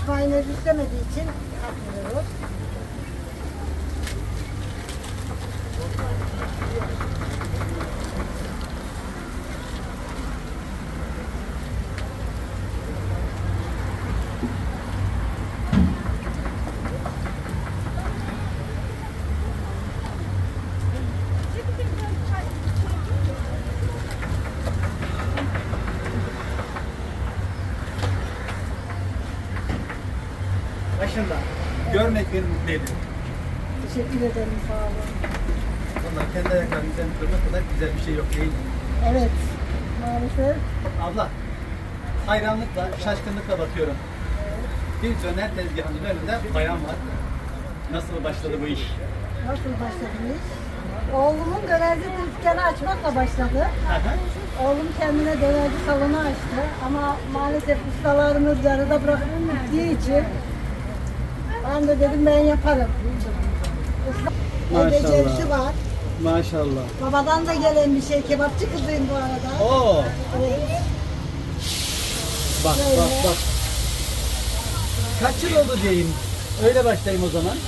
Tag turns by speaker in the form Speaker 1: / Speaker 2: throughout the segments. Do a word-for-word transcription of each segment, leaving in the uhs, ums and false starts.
Speaker 1: mayonez istemediği için katmıyoruz.
Speaker 2: Başında. Görmek beni mutlu ediyor.
Speaker 1: Teşekkür ederim, sağ olun.
Speaker 2: Vallahi kendi ayaklarının üzerine durmak kadar güzel bir şey yok değil mi?
Speaker 1: Evet, maalesef.
Speaker 2: Abla, hayranlıkla, şaşkınlıkla bakıyorum. Bir döner tezgahının önünde bayan var. Nasıl başladı bu iş?
Speaker 1: Nasıl başladınız? Oğlumun dönerci dükkanı açmakla başladı.
Speaker 2: Aha.
Speaker 1: Oğlum kendine dönerci salonu açtı ama maalesef ustalarımız yarıda bırakıp gittiği için ben de dedim ben yaparım. Usta el becerisi var.
Speaker 2: Maşallah.
Speaker 1: Babadan da gelen bir şey. Kebapçı kızıyım bu arada.
Speaker 2: Oo.
Speaker 1: Evet.
Speaker 2: Bak
Speaker 1: Böyle.
Speaker 2: bak bak. Kaç yıl oldu diyeyim. Öyle başlayayım o zaman.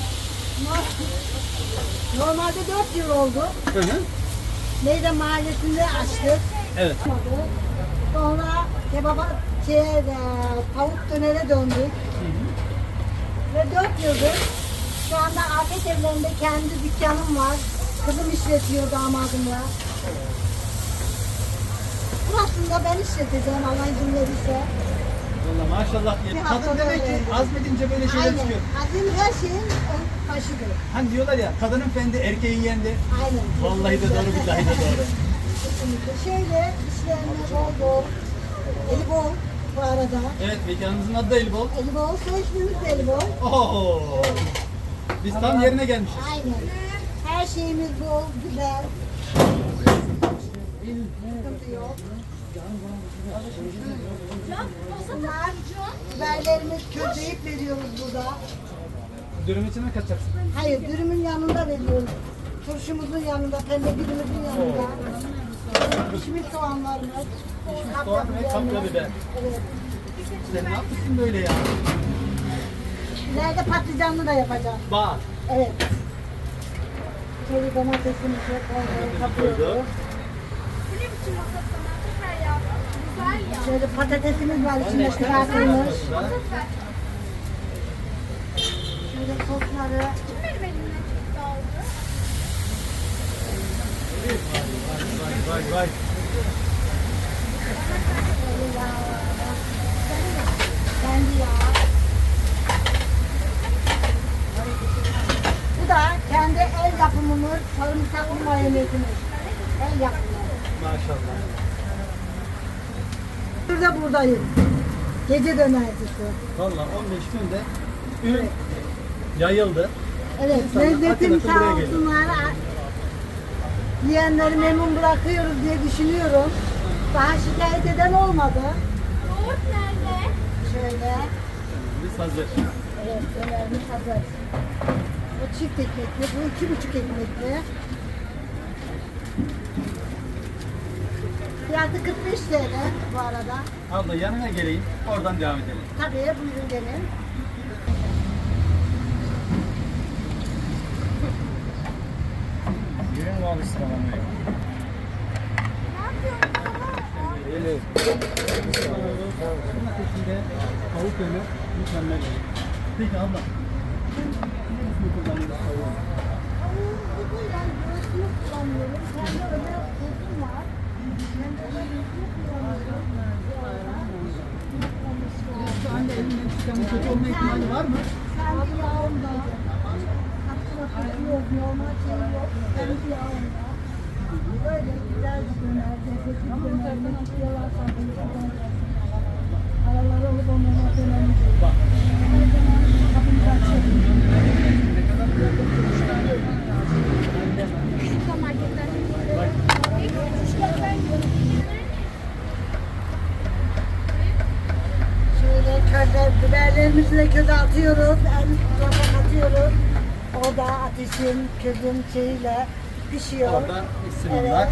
Speaker 1: Normalde dört yıl oldu.
Speaker 2: Hı hı.
Speaker 1: Meydan Mahallesi'nde açtık.
Speaker 2: Evet.
Speaker 1: Sonra kebaba, şey, e, tavuk dönere döndük. Ve dört yıldır şu anda afet evlerinde kendi dükkanım var. Kızım işletiyor damadımla. Burasını da ben işleteceğim Allah izin verirse.
Speaker 2: Vallahi maşallah diye.
Speaker 1: Bir
Speaker 2: Kadın
Speaker 1: haftada
Speaker 2: demek ki
Speaker 1: öyle.
Speaker 2: azmedince böyle şeyler
Speaker 1: Aynen.
Speaker 2: çıkıyor.
Speaker 1: Azim her şeyin ön başıdır.
Speaker 2: Hani diyorlar ya, kadının fendi erkeğin yendi.
Speaker 1: Aynen.
Speaker 2: Vallahi de doğru, billahi de doğru.
Speaker 1: Kesinlikle. Şöyle işlerine bol bol. Eli bol bu arada.
Speaker 2: Evet, mekanımızın adı da Elbol.
Speaker 1: Eli bol, soy ismimiz de eli bol.
Speaker 2: Oo. Biz tam yerine gelmişiz.
Speaker 1: Aynen. Her şeyimiz bol, güzel. Sıkıntı yok. Bunlar biberlerimiz közleyip veriyoruz burada.
Speaker 2: Dürüm içine mi katacaksın?
Speaker 1: Hayır, dürümün yanında veriyoruz. Turşumuzun yanında, pembe birimizin yanında. Pişmiş soğanlarımız.
Speaker 2: Pişmiş soğan ve kapya biber.
Speaker 1: Evet.
Speaker 2: Sen ne yapmışsın böyle ya?
Speaker 1: İleride patlıcanlı da yapacağım.
Speaker 2: Bak.
Speaker 1: Evet. Şöyle domatesimizi koyduk, kapıyoruz. Şöyle patatesimiz var içinde kızartılmış. Şöyle sosları.
Speaker 2: Vay vay vay.
Speaker 1: Şöyle yağ. Kendi yağ. Bu da kendi el yapımımız, sarımsaklı mayonezimiz. El yapımı.
Speaker 2: Maşallah.
Speaker 1: Burada buradayım. Gece dönercisi.
Speaker 2: Vallahi on beş günde ürün yayıldı.
Speaker 1: Evet,
Speaker 2: İnsanlar
Speaker 1: lezzetim
Speaker 2: akın akın
Speaker 1: sağ
Speaker 2: buraya geliyor.
Speaker 1: olsunlar. Yiyenleri memnun bırakıyoruz diye düşünüyorum. Daha şikayet eden olmadı.
Speaker 3: Yoğurt nerede?
Speaker 1: Şöyle.
Speaker 2: Biz hazır.
Speaker 1: Evet, dönerimiz hazır. Bu çift ekmekli, bu iki buçuk ekmekli. Fiyatı kırk beş T L bu arada.
Speaker 2: Abla yanına geleyim, oradan devam edelim.
Speaker 1: Tabii, buyurun gelin.
Speaker 2: Yürüyün abi sıralamaya. Öyle. Bunun ateşinde tavuk döner mükemmel. Peki abla. Nasıl kullanıyoruz tavuğu?
Speaker 1: Bu yani göğsünü kullanıyorum. Kendi özel kurtum var. Kendi özel göğsünü kullanıyorum.
Speaker 2: Şu anda elinden çıkan kötü olma ihtimali var mı?
Speaker 1: Kendi yağımda. Katkı maddesi yok, normal şey yok. Kendi yağımda. Böyle güzel bir döner. Lezzetli bir döner. Nasıl yalan sandığını araları olup onlara dönerimiz yok.
Speaker 2: Bak.
Speaker 1: Her zaman kapımızı açıyoruz.
Speaker 2: Ne kadar
Speaker 1: Şöyle közde, biberlerimizi de köze atıyoruz. En tarafa atıyoruz. O da ateşin, közün şeyiyle pişiyor.
Speaker 2: Orada isimler.
Speaker 1: Evet.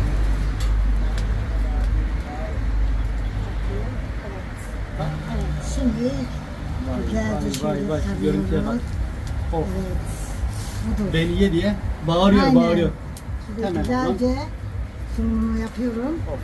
Speaker 1: Evet, şimdi Güzelce
Speaker 2: vay,
Speaker 1: şöyle
Speaker 2: vay, şu görüntüye bak.
Speaker 1: sarıyoruz.
Speaker 2: Of.
Speaker 1: Evet. Budur.
Speaker 2: Beni ye diye bağırıyor,
Speaker 1: Aynen.
Speaker 2: bağırıyor.
Speaker 1: Şöyle
Speaker 2: Hemen
Speaker 1: güzelce sunumunu yapıyorum.
Speaker 2: Of.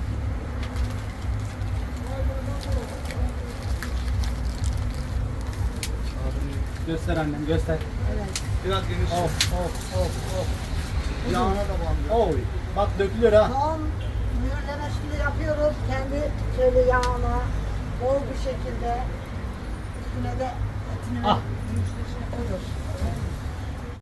Speaker 2: Göster annem, göster.
Speaker 1: Evet.
Speaker 4: Biraz geniş.
Speaker 2: Of, of, of, of.
Speaker 4: Yağına da bandı.
Speaker 2: Oy, bak dökülüyor ha.
Speaker 1: Son mühürleme şimdi yapıyoruz. Kendi şöyle yağına bol bir şekilde üstüne de etini
Speaker 2: Ah.
Speaker 1: olur.